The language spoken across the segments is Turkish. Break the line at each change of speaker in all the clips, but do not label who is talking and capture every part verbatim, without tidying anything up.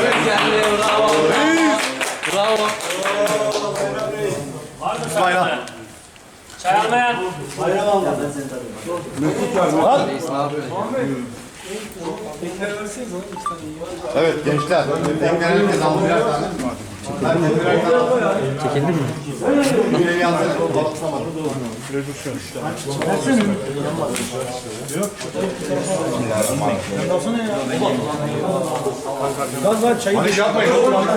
Geldi, bravo. Bravo.
Bayram.
Çay almayan.
Bayram alma.
Mesut var mı? Evet gençler. Tekrar herkes aldı birer tane. Herkes birer tane aldı.
Çekildi mi?
Bir evi alsana. Balıklamadım. Hani yapmayın.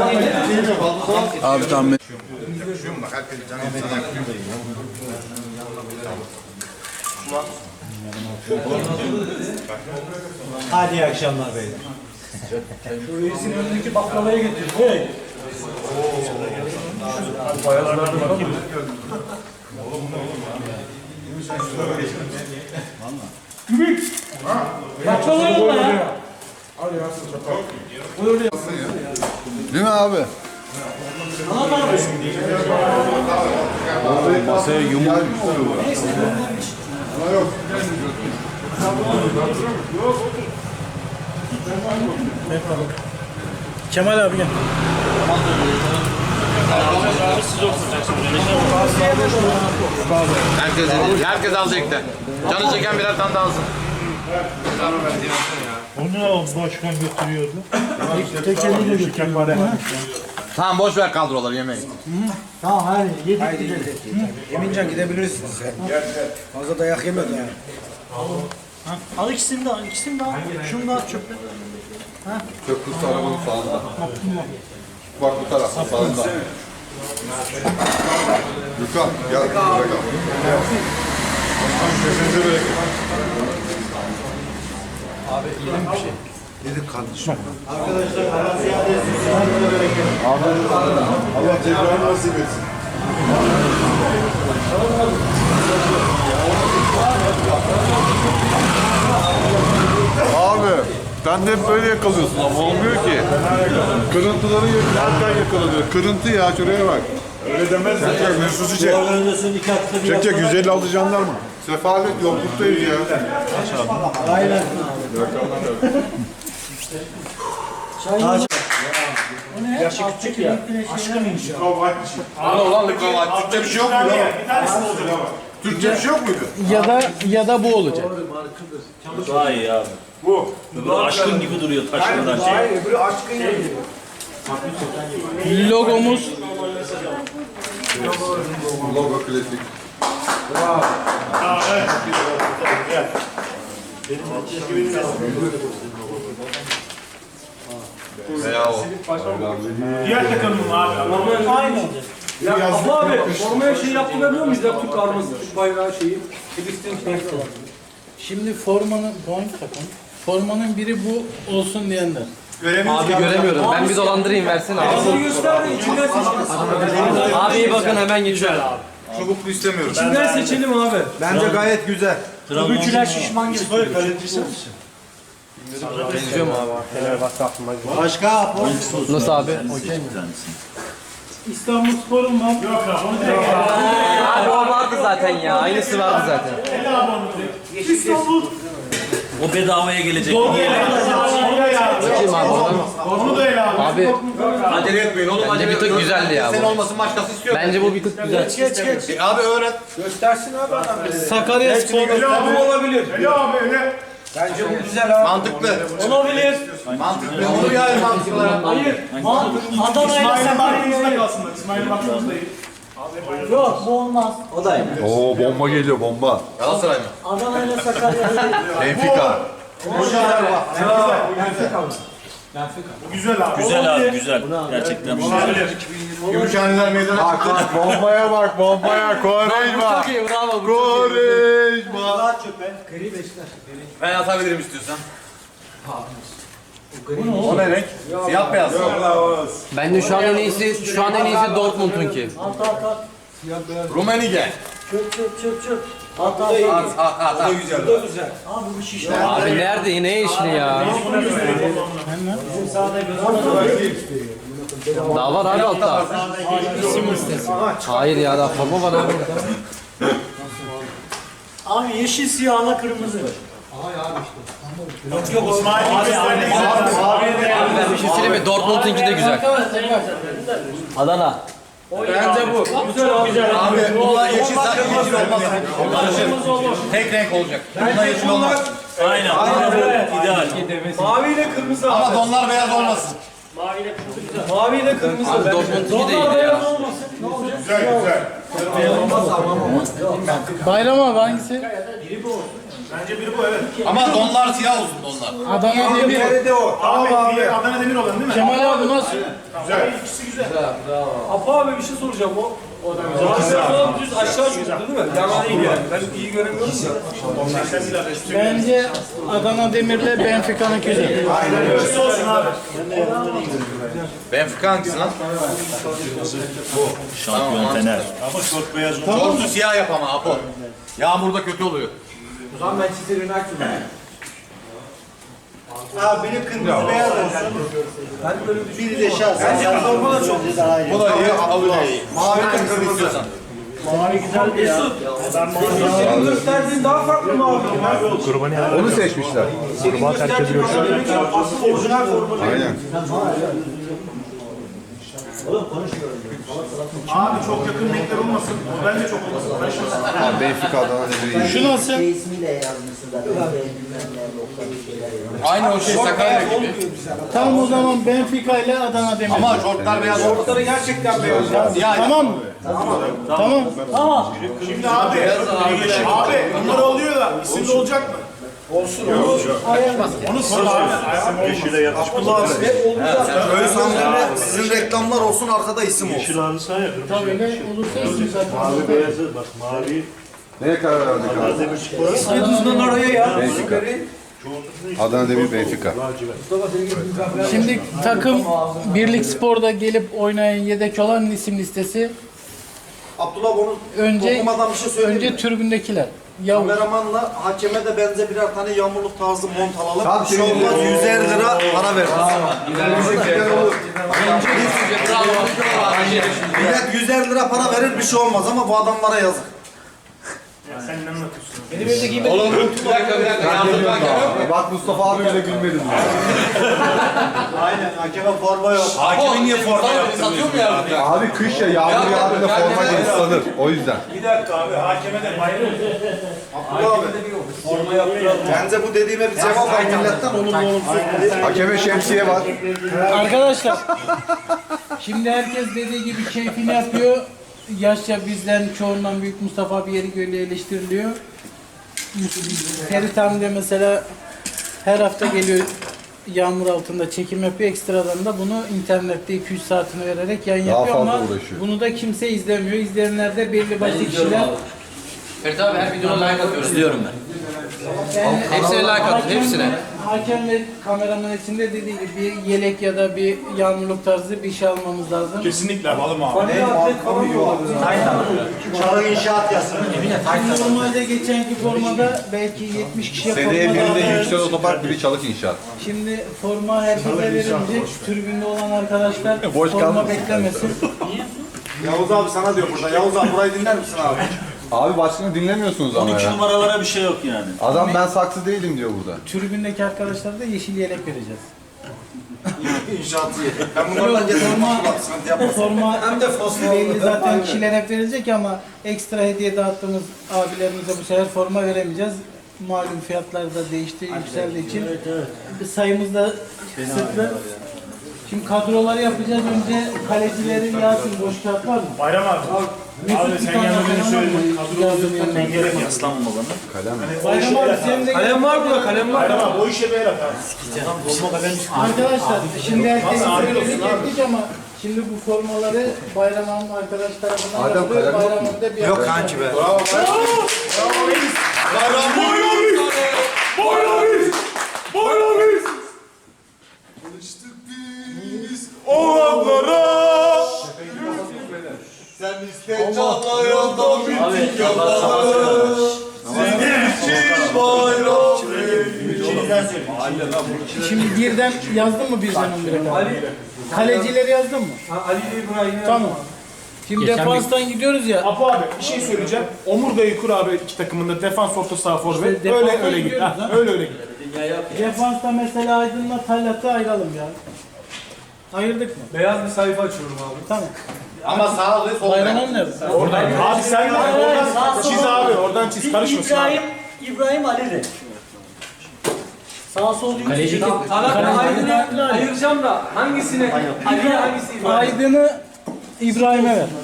Abi tamam.
Bak herkes canı sana yakıyor.
Hadi iyi akşamlar beyler. Şu reisin önündeki baklavayı getir. Hey.
Baklava yolla ya.
Değil mi abi? Masaya yumruk.
Yok.
Kemal abi gel.
Herkes, herkes alacaktı. Canı çeken birer tane daha alsın.
Onu başkan götürüyordu. Tek eliyle götürüyordu.
Tamam boş ver kadroları yemeği.
Tamam hadi yedik gidelim.
Emincan gidebilirsin sen. Fazla dayak yemedi yani.
Al ikisini de al, ikisini de al. Şunu da al çöpe.
Köprüsü arabanın sağında. Bak bu tarafta sağında. Gökhan gel buraya gel. Sesinize bereket.
Abi yedim bir şey. Yedik kardeşim.
Arkadaşlar Allah ziyade etsin.
Allah tekrar nasip etsin. Abi sen de hep böyle yakalıyorsun ama olmuyor ki. Kırıntıları yerken yakalanıyor. Kırıntı ya şuraya bak. Öyle demez mi? Çek çek Mesut'u çek. Çek çek yüz elli altı jandarma. Sefalet yokluktayiz ya.
Aynen. Çay. O ne? Yaşı küçük ya. Aşkım inşallah.
Ana ulan Likovac. Türkçe bir şey yok muydu? Bir tanesi olacak ama. Türkçe bir şey yok muydu?
Ya da ya da bu olacak.
Daha iyi abi. Bu. Bu aşkın gibi duruyor taşmadan şey.
Hayır öbürü aşkın gibi.
Logomuz
Logo klasik.
Veya o.
Diğer takımım abi. Normal aynı.
Ya Abla abi, formaya şey yaptırabiliyor muyuz ya? Türk arması, Türk bayrağı şeyi. Filistin şeyi.
Şimdi formanın, boing takın. Formanın biri bu olsun diyenler.
abi göremiyorum. Ben bir dolandırayım versene abi.
Bizi göster de içinden seçelim.
Abi iyi bakın hemen geçiyorum.
Çubuklu istemiyorum.
İçinden seçelim abi.
Bence gayet güzel.
Öbürküler şişman gibi.
Benziyor mu abi?
Başka.
Nasıl abi?
İstanbul Spor'un var.
Abi o vardı zaten ya. Aynısı vardı zaten.
İstanbul.
O bedavaya gelecek.
Bakayım abi oradan.
Onu da ele abi.
Abi
Acele etmeyin oğlum.
bence bir tık güzeldi ya
Sen
bu.
olmasın başkası istiyor.
Bence bu bir tık güzel.
Geç geç.
E, abi öğret.
Göstersin abi adam.
Sakarya Spor.
Ele abi olabilir. Ele abi ele.
Bence bu güzel abi.
Mantıklı.
Olabilir.
Mantıklı. Onu bir ay mantıklılara.
Hayır. Adana'yla
İsmail'in
Sakarya.
baktığımızda kalsınlar. İsmail'in baktığımızda iyi.
Yok bu olmaz.
Oo bomba geliyor bomba.
Galatasaray mı?
Adana'yla Sakarya.
Benfica.
Bu güzel abi.
Güzel abi güzel. Gerçekten.
Gümüşhaneler meydana
Bak
çıktı.
bak bombaya bak bombaya. Kovarejma.
Çok iyi bravo. bu çok iyi.
Kovarejma.
Daha çöpe. Gri beşler.
Ben atabilirim istiyorsan. O ne renk? Siyah beyaz.
Bence şu an en iyisi şu an en iyisi Dortmund'un ki.
At at at.
Rumenige.
Çöp çöp çöp çöp. At at.
At at at. at.
Bu da güzel.
Abi bu şişler.
Abi nerede yine işli ya?
Bizim sahada gözüküyor.
Daha var abi altta. Hayır ya daha forma var abi.
Abi yeşil siyahla kırmızı. Yok yok İsmail gösterdi.
Ben bir şey söyleyeyim mi? Dortmund'unki de güzel. Adana.
Bence bu. Güzel abi. Güzel.
Abi bunlar yeşil zaten yeşil olmaz. Tek renk olacak. Bunlar yeşil olmaz.
Aynen. Evet. İdeal.
Mavi ile kırmızı.
Ama donlar beyaz olmasın.
Mavi ile kırmızı.
Abi Dortmund'unki de iyiydi ya.
Güzel güzel.
Bayram abi hangisi?
Bence biri bu evet.
Ama donlar siyah olsun donlar.
Adana Demir.
Nerede o?
Tamam abi. Adana Demir olan değil mi?
Kemal abi nasıl?
Güzel. İkisi güzel.
Apo abi bir şey soracağım o. O da güzel. Zaten düz aşağı çıktı değil mi? Yana değil yani. Ben iyi göremiyorum da.
Bence Adana Demir'le Benfica'nın güzel.
İkisi olsun abi.
Benfica hangisi lan?
Şampiyon Fener.
Ama şort beyaz oldu.
Şortu siyah yap ama Apo. Yağmurda kötü oluyor.
O zaman Manchester United mı?
Abi benim kırmızı beyaz olsun.
Biri de şahsen. Bence forma da çok güzel.
Bu da iyi, Apo da iyi. Mavi kırmızı istiyorsan.
Senin gösterdiğin daha farklı mı abi?
Onu seçmişler.
Asıl orijinal forma.
Aynen.
Abi çok yakın renkler olmasın. O bence çok olmasın. Karışmasın.
Abi Benfica Adana Demir'i
Şu nasıl?
İsmiyle yazmışsın zaten. Bilmem ne nokta bir şeyler yazmış.
Aynı o şey Sakarya gibi.
Tamam o zaman Benfica ile Adana Demir.
Ama şortlar beyaz olmasın.
Şortları gerçekten beyaz.
Siyah yap.
Tamam mı? Tamam. Tamam.
Şimdi abi. Abi bunlar oluyor da isim de olacak mı? Onu sor abi. Yeşile yatışmış.
Böyle sandalye sizin reklamlar olsun arkada isim olsun.
Tabii öyle olursa isim zaten.
Neye karar verdik abi?
İsmi düzgün oraya ya.
Benfica. Adana Demir Benfica.
Şimdi takım Birlik Spor'da gelip oynayan yedek olan isim listesi
Abdullah bunu
önce
okumadan bir şey söyleyeyim mi?
önce tribündekiler. Yavuz.
Kameramanla hakeme de benze birer tane yağmurluk tarzı mont alalım. Bir şey olmaz yüz elli lira para veririz. Millet yüz elli lira para verir bir şey olmaz ama bu adamlara yazık.
Sen ne anlatıyorsun?
Oğlum bir dakika bir dakika. Yağmurda hakem.
Bak Mustafa abi bile gülmedi.
Aynen hakeme forma yok.
Hakemin niye forma yaptın? Satıyor mu ya?
Abi kış ya yağmur yağdığında forma ıslanır. O yüzden.
Bir dakika abi. Hakeme de bayram.
Abdullah abi. Forma yaptıralım. Bence bu dediğime bir cevap var milletten olumlu olumsuz.
Hakeme şemsiye var.
Arkadaşlar şimdi herkes dediği gibi keyfini yapıyor. Yaşça bizden çoğundan büyük Mustafa abi yeri göre eleştiriliyor. Ferit abi de mesela her hafta geliyor yağmur altında çekim yapıyor. Ekstradan da bunu internette iki üç saatini vererek yayın
Daha
yapıyor
fazla
ama
uğraşıyor.
bunu da kimse izlemiyor. İzleyenler de belli başlı kişiler.
Ferit abi her videona like atıyoruz. İzliyorum ben.
Yani
Hepsine like atın,
hakem-
hepsine.
Hakem ve kameraman için de dediği gibi bir yelek ya da bir yağmurluk tarzı bir şey almamız lazım.
Kesinlikle alalım abi.
Hani atlet falan mı olabilir?
Çarık inşaat yazsın.
Normalde geçenki formada belki yetmiş kişiye
Seneye
forma
biri de
dağıtıyoruz.
Yüksel Otopark, biri Çalık İnşaat.
Şimdi forma herkese verilecek. Tribünde olan arkadaşlar
Boş
forma
kalmasın.
beklemesin.
Yavuz abi sana diyor burada. Yavuz abi burayı dinler misin abi?
Abi başkanı dinlemiyorsunuz ama
on iki
ya.
numaralara bir şey yok yani.
Adam ben saksı değilim diyor burada.
Tribündeki arkadaşlara da yeşil yelek vereceğiz.
İnşaatı yedim. Ben bunlardan getirdim.
Forma,
Sıkıntı yapmasın.
forma
Hem de fosfor.
belli zaten kişilere hep verilecek ama ekstra hediye dağıttığımız abilerimize bu sefer forma veremeyeceğiz. Malum fiyatlar da değişti, yükseldiği için sayımız da kısıtlı. Şimdi kadroları yapacağız. Önce kalecileri yazın. Boş kağıt var mı?
Bayram abi. Abi
Mesut
sen
bir tane
yanına beni
kalem var
söyledin.
mı?
Kadro
Yazdım yanına.
Ben gerek yok.
Yaslanma bana.
Kalem.
Bayram abi senin de
Kalem var burada, kalem var.
Bayram abi o işe bir el at abi.
Arkadaşlar şimdi herkes
Nasıl abi
söyledik
olsun abi?
ettik ama şimdi bu formaları Bayram Hanım arkadaş tarafından
Adem
yapılıyor.
kalem yok
Bayram
mu?
Hanım da bir
Yok
arkadaş.
kanki be.
Sen iste çağlayan da bittik yalanlar. Senin için bayram.
Şimdi birden yazdın mı birden on bire kadar? Kalecileri yazdın mı?
Ha, Ali ile İbrahim'i
Tamam. Şimdi defanstan gidiyoruz ya.
Apo abi bir şey söyleyeceğim. Omurgayı kur abi iki takımında defans orta saha forvet.
İşte
öyle
defansa
öyle git.
gidiyoruz
Ha,
ha.
öyle öyle git.
Defansta mesela Aydın'la Talat'ı ayıralım ya. Ayırdık mı?
Beyaz bir sayfa açıyorum abi.
Tamam.
Ama sağ ve sol
Bayram
bek.
nerede?
Oradan abi sen de oradan çiz abi. Oradan çiz karışmasın abi.
İbrahim, İbrahim Ali de. Sağ sol değil.
Kaleci kim?
Talha Aydın'ı ayıracağım da hangisini? Ali'ye hangisi İbrahim?
Aydın'ı İbrahim'e ver.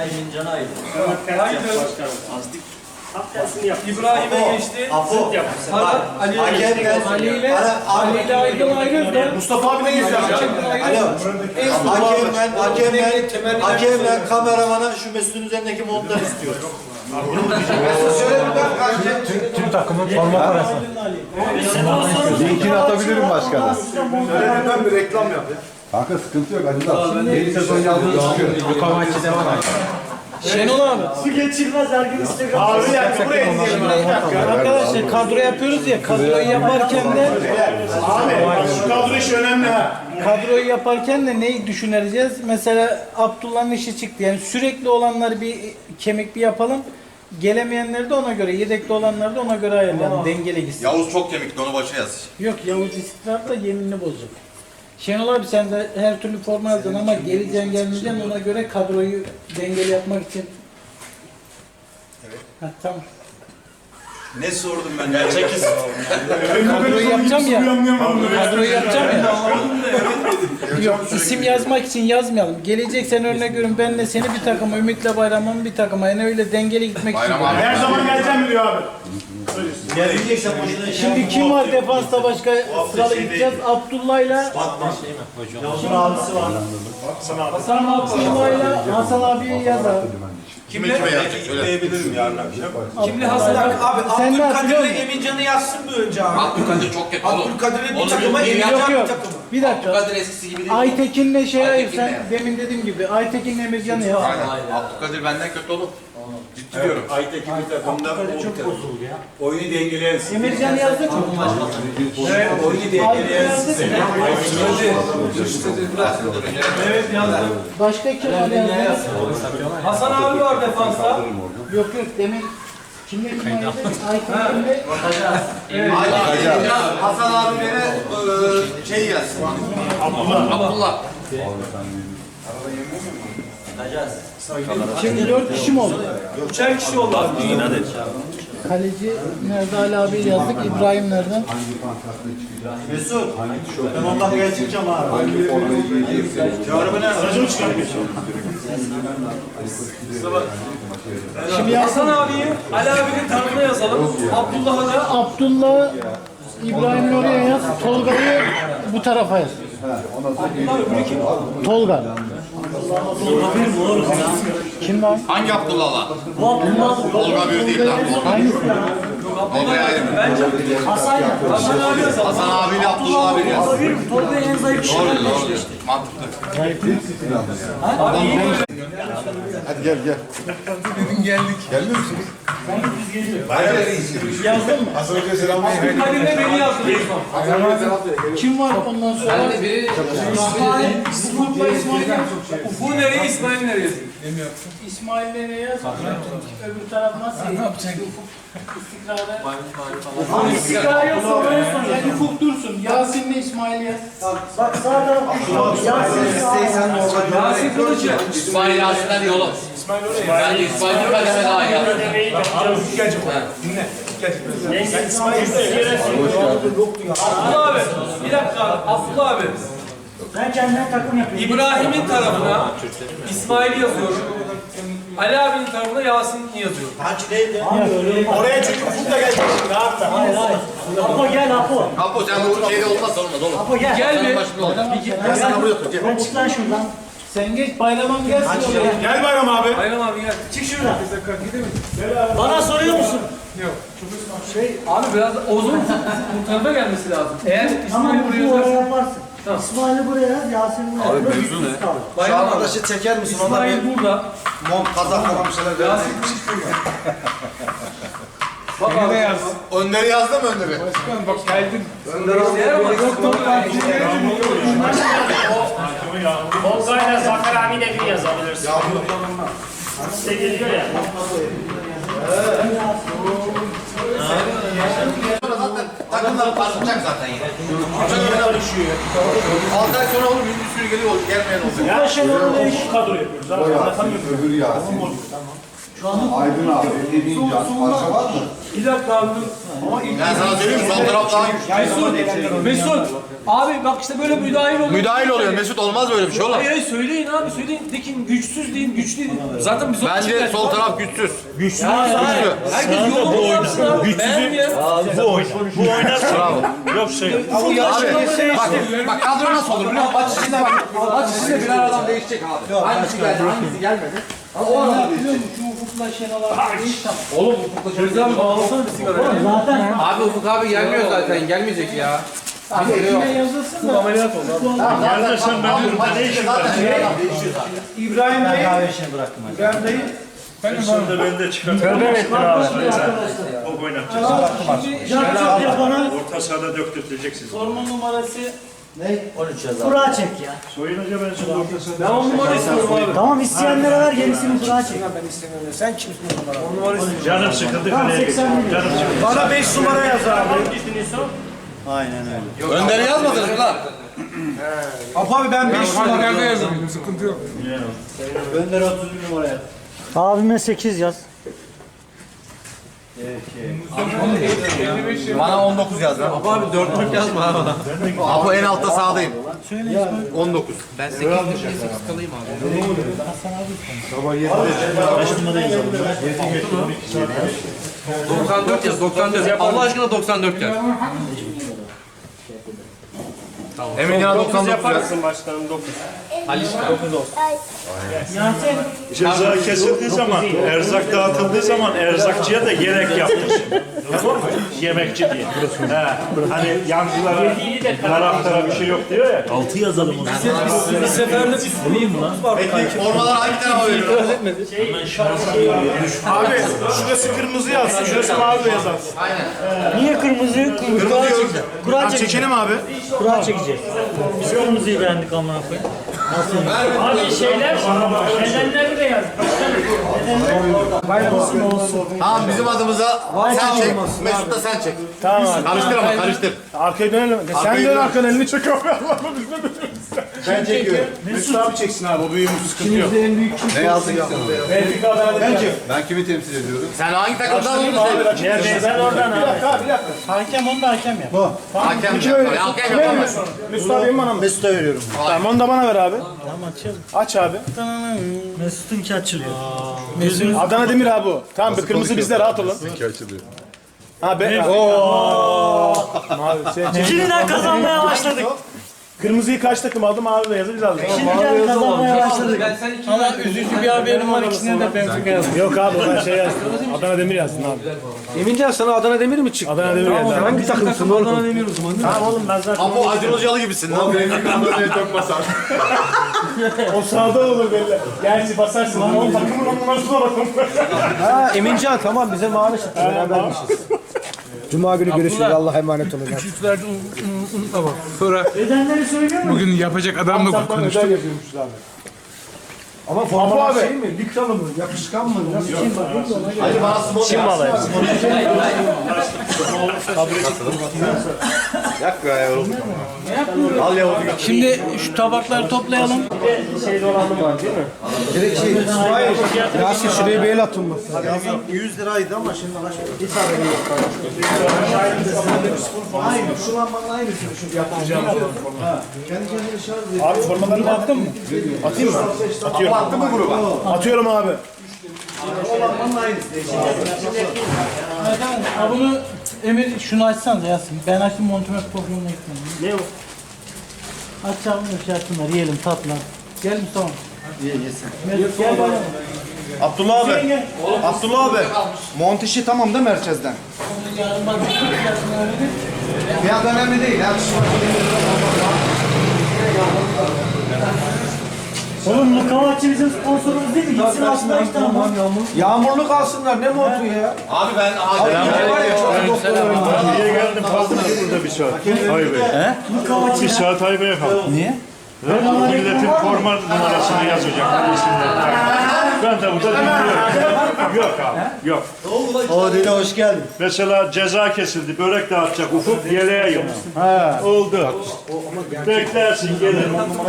İbrahim'e geçti.
Apo.
Talha Ali'ye geçti.
Hakemle.
Ali ile Ali ile Aydın ayrılır da.
Mustafa abi ne geçti?
Alo. Hakemle, hakemle, hakemle kameramana şu Mesut'un üzerindeki montları istiyoruz. Şöyle bir bak kanka.
Tüm takımın forma parası.
Linkini atabilirim başkana.
Ben bir reklam yap ya.
Kanka sıkıntı yok. Hadi da. Yeni sezon yazdığı çıkıyor.
Yukarı devam abi.
Şenol abi.
Su geçirmez her gün Instagram.
Abi bir dakika buraya izleyelim.
Arkadaşlar kadro yapıyoruz ya, kadroyu yaparken de
Abi şu kadro işi önemli ha.
kadroyu yaparken de neyi düşüneceğiz? Mesela Abdullah'ın işi çıktı. Yani sürekli olanları bir kemik bir yapalım. Gelemeyenleri de ona göre, yedekli olanları da ona göre ayarlayalım. Dengeli gitsin.
Yavuz çok kemikli, onu başa yaz.
Yok Yavuz istikrar da yeminini bozacak. Şenol abi sen de her türlü forma yazdın ama geleceksin gelmeyeceksin ona göre kadroyu dengeli yapmak için. Evet. Heh, tamam.
Ne sordum ben? Gerçek
Kadroyu yapacağım ya. Kadroyu yapacağım ya. Yok isim yazmak için yazmayalım. Gelecek sen örnek görün benle seni bir takıma, Ümit'le Bayram'ın bir takıma. Yani öyle dengeli gitmek için.
Bayram abi.
Her zaman geleceğim diyor abi.
Gelecekse boşuna
Şimdi kim var defansta başka sıralı gideceğiz? Abdullah'yla
Yavuz'un abisi var.
Hasan Abdullah'la Hasan abiyi yaz abi.
Kimle? Kime yazacak? Söyle.
Diyebilirim yarın akşam.
Kimli Hasan abi? Sen ne yapıyorsun?
Emincan'ı yazsın mı önce abi?
Abdülkadir çok kötü oğlum.
Abdülkadir'in bir
Onu
takıma
bir-
Emincan
Yok
bir
yok.
takıma.
Bir dakika.
Abdülkadir eskisi gibi değil.
Aytekin'le şey ayır
Aytekin'le
sen
yaz.
demin dediğim gibi Aytekin'le Emircan'ı yaz.
Aynen. Abdülkadir benden kötü oğlum. Ciddi diyorum.
Aytekin bir takımda oyunu dengeleyen.
Emircan'ı yazdık mı?
Evet, oyunu
Aydın'ı
dengeleyen.
yazdık mı?
Evet yazdım.
Başka kim var yazdık?
Hasan abi var defansta.
Yok yok demin kimle kim ayırdık? Aytekin'le
Aynen. Hasan abi beni eee, şey yazsın.
Abdullah.
Şimdi dört kişi mi oldu?
Üçer kişi oldu abi.
Kaleci nerede Ali abi yazdık. İbrahim nereden?
Mesut, ben ondan gel çıkacağım abi. Çağrı ne? Aracımı çıkartmışım.
Şimdi
Hasan abiyi Ali abinin tarafına yazalım. Abdullah'a da
Abdullah İbrahim'i oraya yaz. Tolga'yı bu tarafa yaz. Tolga. Kim var?
Hangi Abdullah'la? Tolga bir değil lan.
Hangisi?
Tolga'ya ayrı mı?
Hasan ya.
Hasan abi yazalım.
Hasan abiyle Abdullah abi yaz.
Tolga en zayıf kişi.
Doğru doğru. Mantıklı.
Hadi gel gel. Gelmiyor musunuz?
Yazdın mı?
Hasan Hoca'ya selam verin.
Kadir'le beni yazdı.
Kim var ondan sonra?
Ben de biri
İsmail. Ufuk'la İsmail yaz.
Ufuk nereye, İsmail nereye yazayım?
İsmail nereye yaz? Öbür taraf nasıl? Ne yapacak? Ufuk istikrara. İstikrara yok sonra yani Ufuk dursun. Yasin'le İsmail yaz.
Bak sağ taraf düşüyor. Yasin
Yasin Kılıç'ı.
İsmail Yasin'den yolu.
İsmail oraya.
Ben de İsmail bir kademe daha yazdım.
Gelecek o. Dinle. Abdullah abi. Bir dakika. Abdullah abi.
Sen kendine takım yapıyorsun.
İbrahim'in tarafına İsmail'i yazıyorum. Ali abinin tarafına Yasin'i yazıyorum. Oraya çünkü Ufuk da gelecek şimdi abi.
Hayır hayır. Apo gel Apo.
Apo sen bu şeyde olmaz olmaz oğlum.
Apo gel.
Gel bir.
Başka olur.
Gel sana buraya tut. Ben çık lan şuradan.
Sen geç bayramın gelsin oraya.
Gel Bayram abi. Bayram abi gel.
Çık şuradan. Bana soruyor musun?
Şey abi biraz Oğuz'un bu tarafa gelmesi lazım. Eğer
Tamam
İsmail'i
bu
buraya
oraya
yazarsan.
yaparsın.
Tamam.
İsmail'i buraya yaz, Yasin'i buraya yaz. Abi mevzu ne?
Şu
Bayram abi.
arkadaşı çeker misin? Ona bir
İsmail burada.
mont, kazak falan bir şeyler ver.
Yasin Kılıç burada. Bak abi.
Önleri yazdı mı önleri?
Eğer ama yok yok.
ya. Volga'yla Zafer abiyle bir yazabilirsin. Size geliyor ya.
Takımlar parlayacak zaten yine. altı ay sonra olur, bir sürü geliyor, gelmeyen olacak.
Ya şimdi değişik kadro yapıyoruz abi.
Öbür Yasin. Aydın abi, Emin Can, başka var mı?
Bir dakika abi.
Ben sana söyleyeyim, sol taraf daha
Mesut, Mesut. Abi bak işte böyle müdahil oluyor.
müdahil oluyor. Mesut olmaz böyle bir şey oğlum.
Hayır hayır söyleyin abi söyleyin. Dekin güçsüz deyin güçlü deyin. Zaten biz o
Bence sol taraf güçsüz.
Güçlü. Herkes yolunu yapsın abi. Güçsüz ya.
Bu oynar. Bu oynar. Bravo. Yok şey.
Abi bak, bak kadro nasıl olur biliyor musun? Maç içinde bak. Maç içinde birer adam değişecek abi. Hangisi geldi, hangisi gelmedi. Ama o arada
Şu Ufuk'la Şenol abi değiş tam.
Oğlum Ufuk'la Şenol abi bağlasana bir sigara.
Zaten
Abi Ufuk abi gelmiyor zaten. Gelmeyecek ya.
Abi ekmeğe yazılsın da.
Ameliyat oldu abi.
Yerdeşen ben burada ne işim var?
İbrahim Bey. Kahve işini bıraktım.
İbrahim Bey.
Sen de ben de çıkartıyorum. Tövbe ettin abi. O oynatacağız.
Can çok yapana
Orta sahada döktürteceksiniz.
Sorma numarası.
on üç yazar.
kura çek ya.
Soyunca ben şimdi orta sahada.
Ben on numara istiyorum abi.
Tamam isteyenlere ver gerisini kura çek.
Sen kimsin o numara?
Canım sıkıldı kaleye geçti. Canım sıkıldı.
Bana beş numara yaz abi.
Aynen öyle.
Önder'i yazmadınız mı lan?
Abi ben beş numara yazdım. Sıkıntı yok.
Önder otuz bir numaraya.
Abime sekiz yaz.
Bana on dokuz yaz lan.
Abi dörtlük yazma abi.
Abi en altta sağdayım. on dokuz.
Ben sekiz sekiz kalayım abi. doksan dört yaz, doksan dört. Allah aşkına doksan dört yaz.
Emin ya doksan dokuz yaz.
Başkanım dokuz.
Yasin.
Ceza kesildiği zaman, erzak dağıtıldığı zaman erzakçıya da gerek yaptırsın. Tamam mı? Yemekçi diye. He. Hani yancılara, taraftara bir şey yok diyor ya.
altı yazalım o zaman.
Bir seferde bir sürü yıldız var.
Peki formalar hangi tarafa veriyor?
Abi şurası kırmızı yazsın, şurası mavi yazsın.
Niye kırmızı? Kura çekeceğiz. Kura çekeceğiz.
Çekelim abi.
Kura çekeceğiz. Biz kırmızıyı beğendik amına koyayım.
Abi şeyler, nedenleri de yaz.
Bayramasın olsun.
Tamam bizim adımıza sen çek. Mesut da sen çek.
Tamam.
Karıştır ama karıştır.
Arkaya dönelim. Sen
Arkaya
dön
dön.
arkanı elini çek abi.
Ben çekiyorum.
Mesut abi çeksin abi. O büyüğümüz sıkıntı yok.
Ne yazdın ya?
Benfica ben de
Ben kimi temsil ediyorum?
Sen hangi takımdan olduğunu söyle.
Ben oradan abi.
Hakem onu da hakem yap.
Hakem ya. Hakem yapamaz.
Mesut abi bana mı?
Mesut'a veriyorum.
Tamam onu da bana ver abi.
Tamam açalım.
Aç abi.
Mesut'unki açılıyor.
Adana Demir abi o. Tamam bir kırmızı bizde rahat olun.
İki açılıyor.
Ha be. Ooo. Mavi şey.
Şimdiden kazanmaya başladık.
Kırmızıyı kaç takım aldı? Mavi de yazı biz aldık.
Şimdiden kazanmaya başladık.
Ben sen iki
Ama üzücü bir haberim var, ikisine de Benfica yazdım.
Yok abi ben şey yazdım. Adana Demir yazdım abi.
Emincan sana Adana Demir mi çıktı?
Adana Demir yazdım.
Hangi takımsın oğlum? Adana Demir o zaman.
Tamam oğlum ben zaten
Ama Acun Hocalı gibisin lan.
Benim kanalda çok basar.
o sağda olur belli. Gerçi basarsın lan. O takımın on numarasına bakın.
Ha Emincan tamam bize mavi çıktı. Berabermişiz. Cuma günü görüşürüz. Allah'a emanet olun.
Küçüklerden unutma bak. Sonra
Bedenleri söylüyor mu?
bugün yapacak adamla
Saptan
konuştuk.
özel yapıyormuşuz abi.
Ama
Apo
formalar
abi.
şey mi? Likralı mı? Yapışkan mı?
Hadi bana small
Çin malı hepsi.
Yak be ya oğlum. Al ya oğlum.
Şimdi şu tabakları toplayalım.
Şey dolandı var değil mi?
Direkt şey. Hayır. Yasin şuraya bir el atın mı?
yüz liraydı ama şimdi bir tane yok. Aynı. Şu lambanın aynısını şu yapacağım. Kendi kendine şarj ediyor.
Abi formalarını attın mı? Atayım mı? Atıyorum.
Attın mı gruba?
Atıyorum abi.
O lambanın aynısı.
Ha, bunu Emir şunu açsanız Yasin. Ben açtım Montemer programına ekledim.
Ne o?
Açalım da şey yapsınlar, yiyelim tatlı. Gel Mustafa. Ye yesin. Gel bana.
Abdullah abi. Abdullah abi. Monteşi tamam değil mi Merkez'den?
Yarın bak.
Fiyat önemli değil. Her şey
Oğlum Mukavvatçı bizim sponsorumuz değil mi? Gitsin aslında işte ama.
Yağmurlu kalsınlar. Ne montu ya?
Abi ben acil var ya çok
Niye geldin? Kaldım ki burada bir saat. Hayır be.
Mukavvatçı
Bir saat haybe kaldım.
Niye?
Milletin forma numarasını yazacak isimler. Ben de burada dinliyorum. Yok abi, yok.
O dile hoş geldin.
Mesela ceza kesildi, börek dağıtacak Ufuk, yeleğe yok. Oldu. Beklersin, gelir.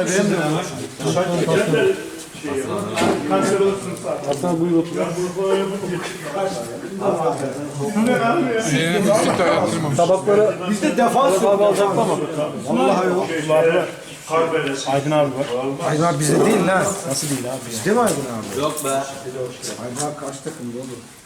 Kanser olursun zaten.
Hasan buyur otur. Tabakları biz de defans abi alacaklar ama. Vallahi yok.
Aydın abi var.
Aydın abi bizde değil lan. Nasıl değil abi? Bizde mi Aydın abi? Yok be. Aydın abi kaç takımda olur?